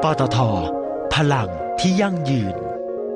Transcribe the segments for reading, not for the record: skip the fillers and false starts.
ปตท.พลังที่ยั่งยืน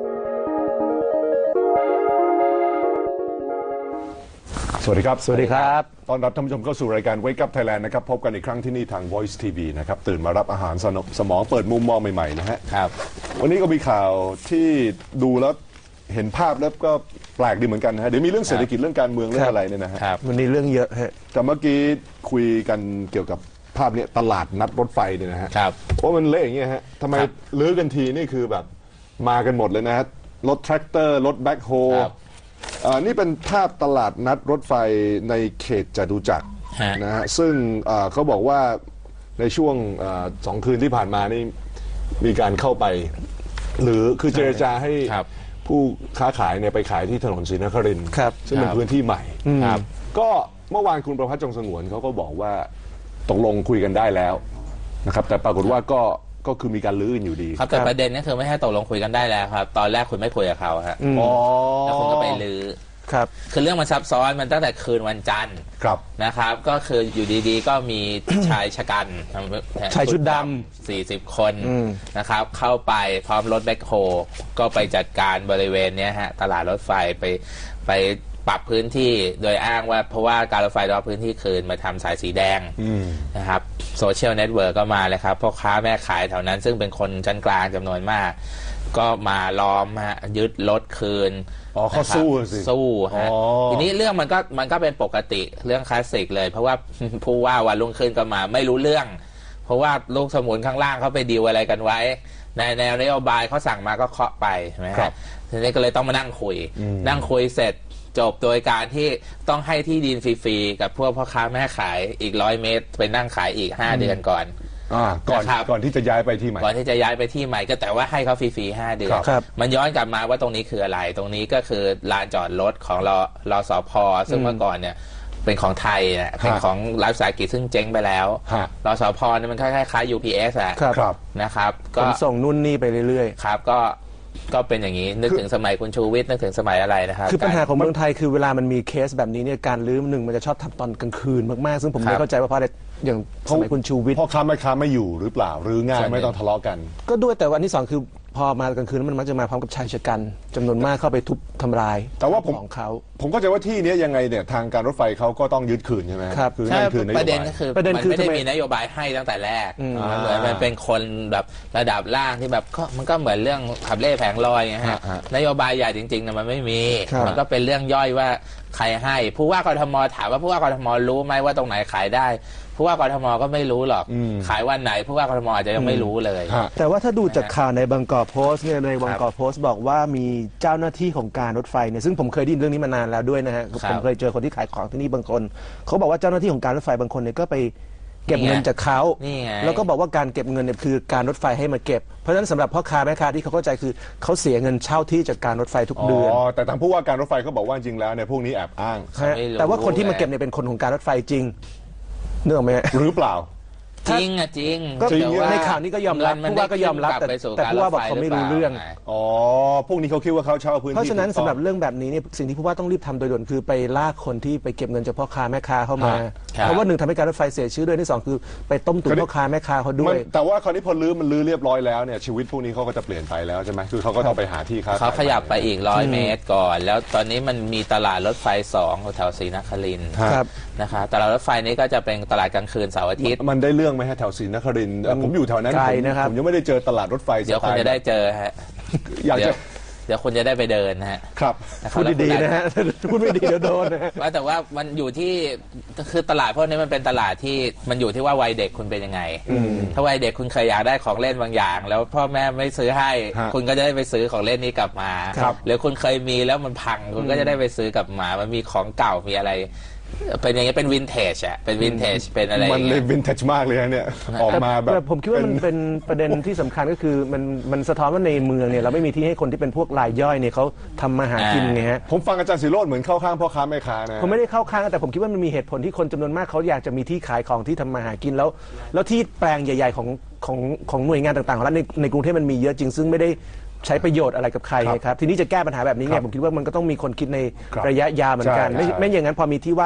สวัสดีครับสวัสดีครับตอนรับท่านผู้ชมเข้าสู่รายการ Wake Up Thailand นะครับพบกันอีกครั้งที่นี่ทาง Voice TV นะครับตื่นมารับอาหารสมองเปิดมุมมองใหม่ๆนะฮะครับวันนี้ก็มีข่าวที่ดูแล้วเห็นภาพแล้วก็แปลกดีเหมือนกันนะฮะเดี๋ยวมีเรื่องเศรษฐกิจเรื่องการเมืองเรื่องอะไรเนี่ยนะฮะวันนี้เรื่องเยอะฮะแต่เมื่อกี้คุยกันเกี่ยวกับภาพนี้ตลาดนัดรถไฟเนี่ยนะฮะว่ามันเละอย่างเงี้ยฮะทำไมลื้อกันทีนี่คือแบบมากันหมดเลยนะฮะรถแทรกเตอร์รถแบ็คโฮนี่เป็นภาพตลาดนัดรถไฟในเขตจตุจักรนะฮะซึ่งเขาบอกว่าในช่วง2 คืนที่ผ่านมานี่มีการเข้าไปหรือคือเจรจาให้ผู้ค้าขายเนี่ยไปขายที่ถนนศรีนครินทร์ซึ่งเป็นพื้นที่ใหม่ก็เมื่อวานคุณประภัสจงสงวนเขาก็บอกว่าตกลงคุยกันได้แล้วนะครับแต่ปรากฏว่าก็คือมีการลื้อกันอยู่ดีครับแต่ประเด็นก็คือไม่ให้ตกลงคุยกันได้แล้วครับตอนแรกคุณไม่คุยกับเขาครับแล้วคุณก็ไปลื้อครับคือเรื่องมันซับซ้อนมันตั้งแต่คืนวันจันทร์นะครับก็คืออยู่ดีๆก็มีชายชะกันชายชุดดำ 40 คนนะครับเข้าไปพร้อมรถแบ็คโฮก็ไปจัดการบริเวณนี้ฮะตลาดรถไฟไปปรับพื้นที่โดยอ้างว่าเพราะว่าการรถไฟรอบพื้นที่คืนมาทำสายสีแดงนะครับโซเชียลเน็ตเวิร์กก็มาเลยครับพ่อค้าแม่ขายแถวนั้นซึ่งเป็นคนชั้นกลางจำนวนมากก็มาล้อมฮะยึดรถคืนเขาสู้สิสู้ฮะทีนี้เรื่องมันก็เป็นปกติเรื่องคลาสสิกเลยเพราะว่าผู้ว่าวันรุ่งขึ้นก็มาไม่รู้เรื่องเพราะว่าลูกสมุนข้างล่างเขาไปดีลอะไรกันไว้ในแนวนโยบายเขาสั่งมาก็เคาะไปใช่ไหมครับทีนี้ก็เลยต้องมานั่งคุยเสร็จจบโดยการที่ต้องให้ที่ดินฟรีๆกับพวกพ่อค้าแม่ขายอีก100 เมตรไปนั่งขายอีก5 เดือนก่อนก่อนที่จะย้ายไปที่ใหม่ก่อนที่จะย้ายไปที่ใหม่ก็แต่ว่าให้เขาฟรีๆ5 เดือนมันย้อนกลับมาว่าตรงนี้คืออะไรตรงนี้ก็คือลานจอดรถของรสผ.ซึ่งเมื่อก่อนเนี่ยเป็นของไทยนะเป็นของรัฐวิสาหกิจซึ่งเจ๊งไปแล้วรสผ.เนี่ยมันคล้ายๆ UPS อะนะครับก็ส่งนู่นนี่ไปเรื่อยๆครับก็เป็นอย่างนี้นึกถึงสมัยคุณชูวิทย์นึกถึงสมัยอะไรนะครับคือปัญหาของเมืองไทยคือเวลามันมีเคสแบบนี้เนี่ยการลื้อมันจะชอบทำตอนกลางคืนมากๆซึ่งผมไม่เข้าใจว่าเพราะอะไรอย่างสมัยคุณชูวิทย์พ่อค้าแม่ค้าไม่อยู่หรือเปล่าหรือง่ายไม่ต้องทะเลาะกันก็ด้วยแต่วันที่2คือพอมากลางคืนมันมักจะมาพร้อมกับชายชะกันจำนวนมากเข้าไปทุบทำลายแต่ว่าของเขาผมเข้าใจว่าที่นี้ยังไงเนี่ยทางการรถไฟเขาก็ต้องยึดคืนใช่ไหมครับใช่ประเด็นก็คือมันไม่ได้มีนโยบายให้ตั้งแต่แรกเหมือนมันเป็นคนแบบระดับล่างที่แบบมันก็เหมือนเรื่องขับเล่แผงลอยไงฮะนโยบายใหญ่จริงๆนะมันไม่มีมันก็เป็นเรื่องย่อยว่าใครให้ผู้ว่ากทมถามว่าผู้ว่ากทมรู้ไหมว่าตรงไหนขายได้ผู้ว่ากทมก็ไม่รู้หรอกขายวันไหนผู้ว่ากทมอาจจะยังไม่รู้เลยแต่ว่าถ้าดูจากข่าวในบางกอกโพสต์เนี่ยในบางกอกโพสต์บอกว่ามีเจ้าหน้าที่ของการรถไฟเนี่ยซึ่งผมเคยได้ยินเรื่องนี้มานานแล้วด้วยนะฮะผมเคยเจอคนที่ขายของที่นี่บางคนเขาบอกว่าเจ้าหน้าที่ของการรถไฟบางคนเนี่ยก็ไปเก็บเงินจากเขาแล้วก็บอกว่าการเก็บเงินเนี่ยคือการรถไฟให้มาเก็บเพราะฉะนั้นสำหรับพ่อค้าแม่ค้าที่เขาเข้าใจคือเขาเสียเงินเช่าที่จากการรถไฟทุกเดือนแต่ทางผู้ว่าการรถไฟเขาบอกว่าจริงแล้วเนี่ยพวกนี้แอบอ้างแต่ว่าคนที่มาเก็บเนี่ยเป็นคนของการรถไฟจริงเนื่องไหมหรือเปล่าจริงอะจริงก็ในข่าวนี้ก็ยอมรับผู้ว่าก็ยอมรับแต่ผู้ว่าบอกเขาไม่รู้เรื่องพวกนี้เขาคิดว่าเขาเช่าพื้นที่เพราะฉะนั้นสำหรับเรื่องแบบนี้เนี่ยสิ่งที่ผู้ว่าต้องรีบทำโดยด่วนคือไปลากคนที่ไปเก็บเงินจากพ่อค้าแม่ค้าเข้ามาเพราะว่า1ทำให้การรถไฟเสียชื่อด้วยที่2คือไปต้มตุ๋นพ่อค้าแม่ค้าเขาด้วยแต่ว่าคราวนี้พอลื้อเรียบร้อยแล้วเนี่ยชีวิตพวกนี้เขาก็จะเปลี่ยนไปแล้วใช่ไหมคือเขาก็ต้องไปหาที่ค้าเขาขยับไปอีก100 เมตรก่อนแล้วตอนนี้มันมีตลาดรถไฟ2แถวศรีนครินทร์นะคะตลาดรถไฟนี้ก็จะเป็นตลาดกลางคืนเสาร์อาทิตย์มันได้เรื่องไหมฮะแถวศรีนครินทร์ผมอยู่แถวนั้นผมยังไม่ได้เจอตลาดรถไฟเดี๋ยวคุณจะได้เจอฮะเดี๋ยวคุณจะได้ไปเดินนะฮะครับพูดดีๆนะฮะพูดไม่ดีเดี๋ยวโดนนะว่าแต่ว่ามันอยู่ที่คือตลาดพวกนี้มันเป็นตลาดที่มันอยู่ที่ว่าวัยเด็กคุณเป็นยังไงถ้าวัยเด็กคุณเคยอยากได้ของเล่นบางอย่างแล้วพ่อแม่ไม่ซื้อให้คุณก็จะได้ไปซื้อของเล่นนี้กลับมาหรือคุณเคยมีแล้วมันพังคุณก็จะได้ไปซื้อกลับมามันมีของเก่ามีอะไรเป็นอย่างนี้เป็นวินเทจอะเป็นวินเทจเป็นอะไรมันเลยวินเทจมากเลยเนี่ยออกมาแบบผมคิดว่ามันเป็นประเด็นที่สำคัญก็คือมันสะท้อนว่าในเมืองเนี่ยเราไม่มีที่ให้คนที่เป็นพวกรายย่อยเนี่ยเขาทำมาหากินไงฮะผมฟังอาจารย์ศิโรจน์เหมือนเข้าข้างพ่อค้าแม่ค้านะผมไม่ได้เข้าข้างแต่ผมคิดว่ามันมีเหตุผลที่คนจำนวนมากเขาอยากจะมีที่ขายของที่ทำมาหากินแล้วที่แปลงใหญ่ๆของหน่วยงานต่างๆของรัฐในกรุงเทพมันมีเยอะจริงซึ่งไม่ได้ใช้ประโยชน์อะไรกับใครครับทีนี้จะแก้ปัญหาแบบนี้ไงผมคิดว่ามันก็ต้องมีคนคิดในระยะยาวเหมือนกันไม่อย่างนั้นพอมีที่ว่าง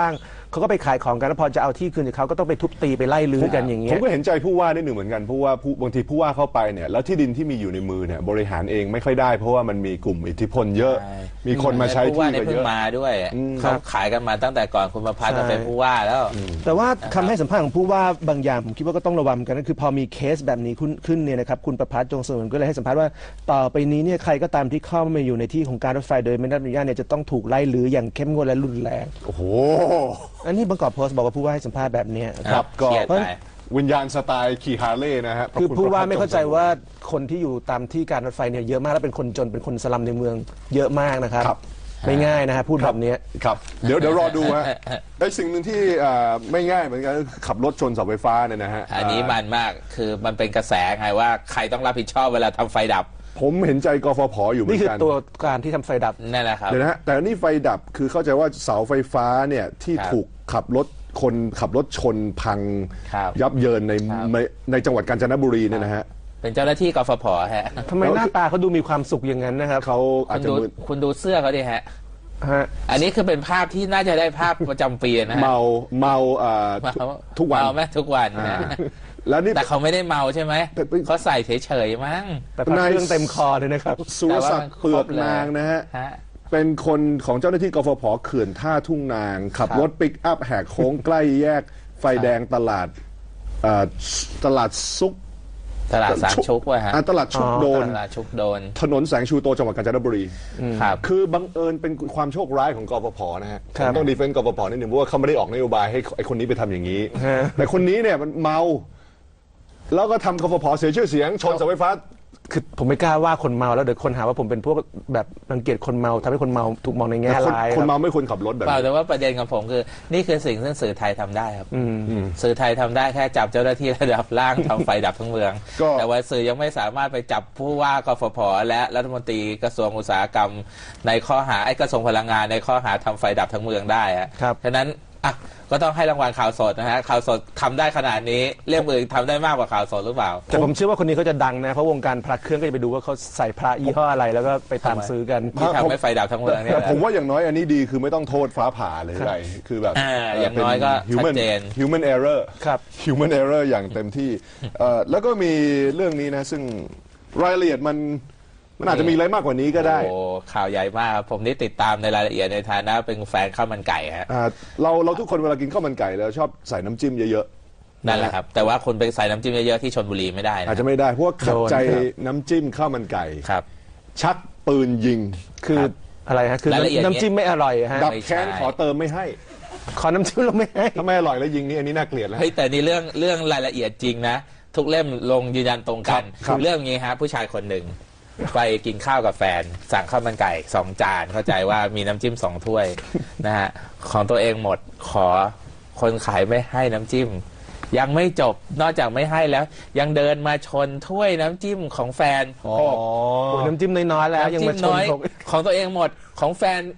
เขาก็ไปขายของกันแล้วพอจะเอาที่คืนจากเขาก็ต้องไปทุบตีไปไล่ลื้อกันอย่างเงี้ผยมก็เห็นใจผู้ว่านิดหนึ่งเหมือนกันผู้ว่าบางทีผู้ว่าเข้าไปเนี่ยแล้วที่ดินที่มีอยู่ในมือเนี่ยบริหารเองไม่ค่อยได้เพราะว่ามันมีกลุ่มอิทธิพลเยอะใช่มีคนมาใช้ผู้ว่าที่เนี่ยก็เพิ่เยงอะมาด้วยครัเขาบขายกันมาตั้งแต่ก่อนคุณประพัฒน์ใช่จะเป็นผู้ว่าแล้วแต่ว่าคำให้สัมภาษณ์ของผู้ว่าบางอย่างผมคิดว่าก็ต้องระวังกันก็คือพอมีเคสแบบนี้ขึ้นเนี่ยนะครับคุณประพัฒน์จงสนก็เลยให้สัมภาษณ์ว่าต่อไปนี้เนี่ยใครก็ตามที่เข้ามาอยู่ในที่ของการรถไฟโดยไม่ได้รับอนุญาตเนี่ยจะต้องถูกไล่ลื้ออย่างเข้มงวดและรุนแรงโอ้โหอันนี้บางกอกโพสต์บอกว่าผู้ว่าให้สัมภาษณ์แบบเนี้ยครับก็เครียดไปวิญญาณสไตล์ขี่ฮาร์เลย์นะฮะคือพระณผู้ว่าประพัฒน์ไม่เข้าใจว่าคนที่อยู่ตามที่การรถไฟเนี่ยเยอะมากและเป็นคนจนเป็นคนสลัมในเมืองเยอะมากนะครับครับไม่ง่ายนะฮะพูดแบบเนี้ยครับเดี๋ยวรอดูฮะไอ้สิ่งหนึ่งที่ไม่ง่ายเหมือนกันคือขับรถชนเสาไฟฟ้าเนี่ยนะฮะอันนี้มันมากคือมันเป็นกระแสไงว่าใครต้องรับผิดชอบเวลาทำไฟดับผมเห็นใจกฟผอยู่เหมือนี่นคือกันตัวการที่ทำไฟดับนั่นแหละครับเดี๋ยวนะฮะแต่นี่ไฟดับคือเข้าใจว่าเสาไฟฟ้าเนี่ยที่ครับถูกคนขับรถชนพังครับยับเยินในครับในจังหวัดกาญจนบุรีเนี่ยนะฮะเป็นเจ้าหน้าที่กฟผฮะทำไมหน้าตาเขาดูมีความสุขอย่างนั้นนะครับเขาอาคุจณจะดูมึนคุณดูเสื้อเขาดิฮะฮะอันนี้คือเป็นภาพที่น่าจะได้ภาพประจำปีนะฮะเมาทุกวันเมาไหมทุกวันนะแล้วนี่แต่เขาไม่ได้เมาใช่ไหมแต่เขาใส่เฉยๆมั้งแต่พักเครื่องเต็มคอเลยนะครับสุรศักดิ์เปลือกนางนะฮะฮะเป็นคนของเจ้าหน้าที่กฟผเขื่อนท่าทุ่งนาง ขับครับรถปิกอัพแหกโค้งใกล้แยกไฟแดงตลาดตลาดซุกตลาดสามชุกว่ะฮะตลาดชุกโดนตลาดชุกโดนถนนแสงชูโตจังหวัดกาญจนบุรีครับคือบังเอิญเป็นความโชคร้ายของกฟผนะฮะคผรับมต้องดีเฟนต์กฟผนิดหนึ่งเพราะว่าเขาไม่ได้ออกนโยบายให้ไอ้คนนี้ไปทำอย่างนี้ฮะแต่คนนี้เนี่ยมันเมา แล้วก็ทำกฟผเสียชื่อเสียงชนเสาไฟฟ้าคือผมไม่กล้าว่าคนเมาแล้วเดี๋ยวคนหาว่าผมเป็นพวกแบบรังเกียจคนเมาทำให้คนเมาถูกมองในแง่ร้ายคนรับเมาไม่ควรขับรถแบบเปล่านี้แต่ว่าประเด็นของผมคือ นี่คือสิ่งที่สื่อไทยทำได้ครับสื่อไทยทำได้แค่จับเจ้าหน้าที่ระดับล่างทำไฟดับทั้งเมืองก็แต่ว่าสื่อยังไม่สามารถไปจับผู้ว่ากฟผและรัฐมนตรีกระทรวงอุตสาหกรรม ในข้อหาไอ้กระทรวงพลังงานในข้อหาทำไฟดับทั้งเมืองได้อะครับฉะนั้นอ่ะก็ต้องให้รางวัลข่าวสดนะฮะข่าวสดทำได้ขนาดนี้เรื่องอื่นทำได้มากกว่าข่าวสดหรือเปล่าแต่ผมเชื่อว่าคนนี้เขาจะดังนะเพราะวงการพระเครื่องก็จะไปดูว่าเขาใส่พระยี่ห้ออะไรแล้วก็ไปตามซื้อกันที่ทำให้ไฟดับทั้งเมืองเนี่ยแต่แหละผมว่าอย่างน้อยอันนี้ดีคือไม่ต้องโทษฟ้าผ่าเลยอะไรคือแบบอย่างน้อยก็ป็ human ชัดเจน human error ครับ human error อย่างเต็มที่แล้วก็มีเรื่องนี้นะซึ่งรายละเอียดมันอาจจะมีอะไรมากกว่านี้ก็ได้โอ้ข่าวใหญ่มากครับผมนี่ติดตามในรายละเอียดในฐานะเป็นแฟนข้าวมันไก่ฮะเราทุกคนเวลากินข้าวมันไก่แล้วชอบใส่น้ำจิ้มเยอะๆนั่นแหละครับ แต่ว่าคุณไปใส่น้ำจิ้มเยอะๆที่ชลบุรีไม่ได้นะอาจจะไม่ได้เพราะว่าขัดใจโดนครับน้ำจิ้มข้าวมันไก่ครับชักปืนยิงคืออะไรฮะคือรายละเอียดน้ำจิ้มไม่อร่อยฮะดับไม่ใช่แค้นขอเติมไม่ให้ขอน้ำจิ้มเราไม่ให้ถ้าไม่อร่อยแล้วยิงนี่อันนี้น่าเกลียดแล้วเฮ้ยแต่นี่เรื่องรายละเอียดจริงนะ ทุกเล่มลงยืนยันตรงกันครับเรื่องนี้ฮะผู้ชายคนหนึ่งไปกินข้าวกับแฟน สั่งข้าวมันไก่2 จานเข้าใจว่ามีน้ำจิ้ม2 ถ้วยนะฮะของตัวเองหมดขอคนขายไม่ให้น้ำจิ้ม ยังไม่จบนอกจากไม่ให้แล้ว ยังเดินมาชนถ้วยน้ำจิ้มของแฟนโอ้ยน้ำจิ้มน้อยๆแล้วยังน้ำจิ้มาม ชนน้อยผมของตัวเองหมดของแฟน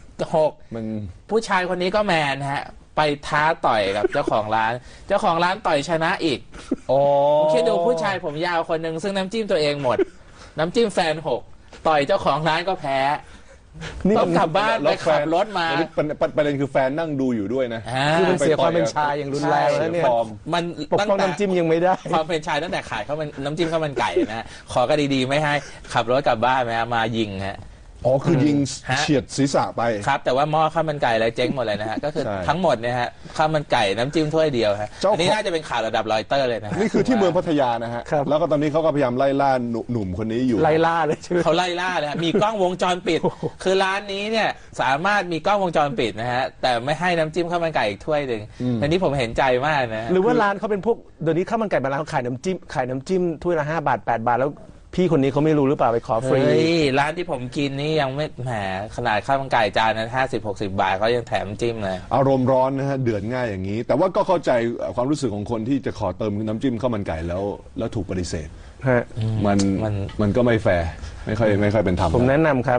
6 มันผู้ชายคนนี้ก็แมนฮะ ไปท้าต่อยกับเจ้าของร้าน เจ้าของร้านต่อยชนะอีกคิดดูผู้ชายผมยาวคนหนึ่งซึ่งน้ำจิ้มตัวเองหมด น้ำจิ้มแฟน6ต่อยเจ้าของร้านก็แพ้ ต้องกลับบ้านไปขับรถมาประเด็นคือแฟนนั่งดูอยู่ด้วยนะคือมันเสียความเป็นชายอย่างรุนแรงแล้วเนี่ยฟอร์มมันปกป้องน้ำจิ้มยังไม่ได้ความเป็นชายตั้งแต่ขายข้าวมันน้ำจิ้มข้าวมันไก่นะขอก็ดีๆไม่ให้ขับรถกลับบ้านมายิงฮะอ๋อคือยิงฮะเฉียดศีรษะไปครับแต่ว่าหม้อข้าวมันไก่อะไรเจ๊งหมดเลยนะฮะก็คือใช่ทั้งหมดเนี่ยฮะข้าวมันไก่น้ำจิ้มถ้วยเดียวฮะเจ้าของอันนี้น่าจะเป็นข่าวระดับรอยเตอร์เลยนะฮะนี่คือที่เมืองพัทยานะฮะครับแล้วก็ตอนนี้เขาก็พยายามไล่ล่าหนุ่มคนนี้อยู่ไล่ล่าเลยใช่ไหมเขาไล่ล่าเลยฮะมีกล้องวงจรปิด คือร้านนี้เนี่ยสามารถมีกล้องวงจรปิดนะฮะแต่ไม่ให้น้ำจิ้มข้าวมันไก่อีกถ้วยหนึ่งอันนี้ผมเห็นใจมากนะหรือว่าร้านเขาเป็นพวกเดี๋ยวนี้ข้าวมันไก่บางร้านเขาขายน้ำจิ้มถ้วยละ5 บาท 8 บาทแล้วพี่คนนี้เขาไม่รู้หรือเปล่าไปขอฟรีเฮ้ยร้านที่ผมกินนี่ยังไม่แหมขนาดข้าวมันไก่จานนั้น50-60 บาทเขายังแถมจิ้มเลยอารมณ์ร้อนนะฮะเดือดง่ายอย่างนี้ แต่ว่าก็เข้าใจความรู้สึกของคนที่จะขอเติมน้ำจิ้มข้าวมันไก่แล้วถูกปฏิเสธฮะมันก็ไม่แฟร์ไม่ค่อยเป็นธรรมผมแนะนำครับ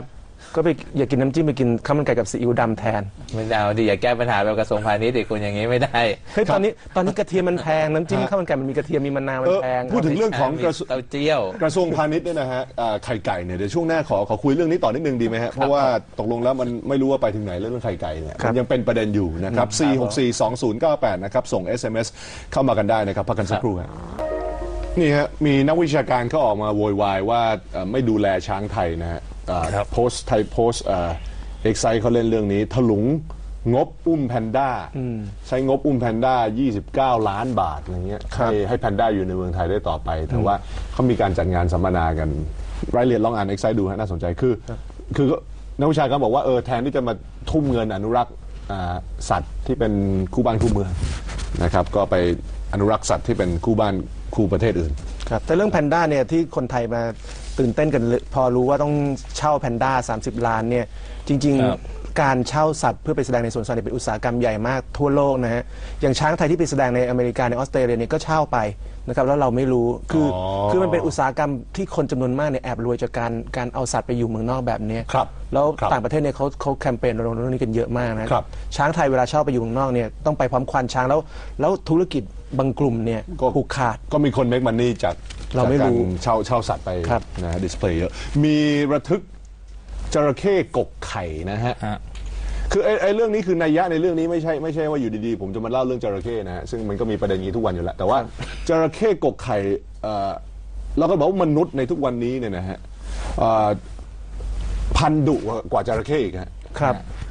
ก็ไปอย่ากินน้ำจิ้มไปกินข้าวมันไก่กับซีอิ๊วดำแทนไม่เอาดิอย่าแก้ปัญหาแบบกระทรวงพาณิชย์ดิคุณอย่างนี้ไม่ได้เฮ้ยตอนนี้กระเทียมมันแพงน้ำจิ้มข้าวมันไก่มันมีกระเทียมมีมะนาวมันแพงพูดถึงเรื่องของมีเต้าเจี้ยวกระทรวงพาณิชย์เนี่ยนะฮะไข่ไก่เนี่ยเดี๋ยวช่วงหน้าขอคุยเรื่องนี้ต่อนิดนึงดีไหมฮะเพราะว่าตกลงแล้วมันไม่รู้ว่าไปถึงไหนเรื่องไข่ไก่เนี่ยมันยังเป็นประเด็นอยู่นะครับ4642098นะครับส่ง SMS เข้ามากันได้นะครับพักกันสักครู่ครับนี่ฮะมีนักวิชาการเขาออกมาโวยวายว่าไม่ดูแลช้างไทยนะฮะโพสต์ไทยโพสต์เอ็กไซเขาเล่นเรื่องนี้ถลุงงบอุ้มแพนด้าใช้งบอุ้มแพนด้า29 ล้านบาทอะไรเงี้ยให้แพนด้าอยู่ในเมืองไทยได้ต่อไปแต่ว่าเขามีการจัดงานสัมมนากันรายละเอียดลองอ่านเอ็กไซดูฮะน่าสนใจคือนักวิชาการบอกว่าแทนที่จะมาทุ่มเงินอนุรักษ์สัตว์ที่เป็นคู่บ้านคู่เมืองนะครับก็ไปอนุรักษ์สัตว์ที่เป็นคู่บ้านคู่ประเทศอื่นครับแต่เรื่องแพนด้าเนี่ยที่คนไทยมาตื่นเต้นกันพอรู้ว่าต้องเช่าแพนด้า30 ล้านเนี่ยจริงๆการเช่าสัตว์เพื่อไปแสดงในสวนสัตว์เป็นอุตสาหกรรมใหญ่มากทั่วโลกนะฮะอย่างช้างไทยที่ไปแสดงในอเมริกาในออสเตรเลียเนี่ยก็เช่าไปนะครับแล้วเราไม่รู้คือมันเป็นอุตสาหกรรมที่คนจำนวนมากเนี่ยแอบรวยจากการเอาสัตว์ไปอยู่เมืองนอกแบบนี้แล้วต่างประเทศเนี่ยเขาแคมเปญรณรงค์เรื่องนี้กันเยอะมากนะช้างไทยเวลาเช่าไปอยู่เมืองนอกเนี่ยต้องไปพร้อมควานช้างแล้วธุรกิจบางกลุ่มเนี่ยผูกขาดก็มีคนเมคมันนี่จากเราไม่รู้เช่าสัตว์ไปนะดิสเพลย์เยอะมีระทึกจระเข้กกไข่นะฮะคือไอ้เรื่องนี้คือนัยยะในเรื่องนี้ไม่ใช่ว่าอยู่ดีๆผมจะมาเล่าเรื่องจระเข้นะฮะซึ่งมันก็มีประเด็นนี้ทุกวันอยู่แล้วแต่ว่าจระเข้กกไข่เราก็บอกว่ามนุษย์ในทุกวันนี้เนี่ยนะฮะพันดุกว่าจระเข้อีกครับ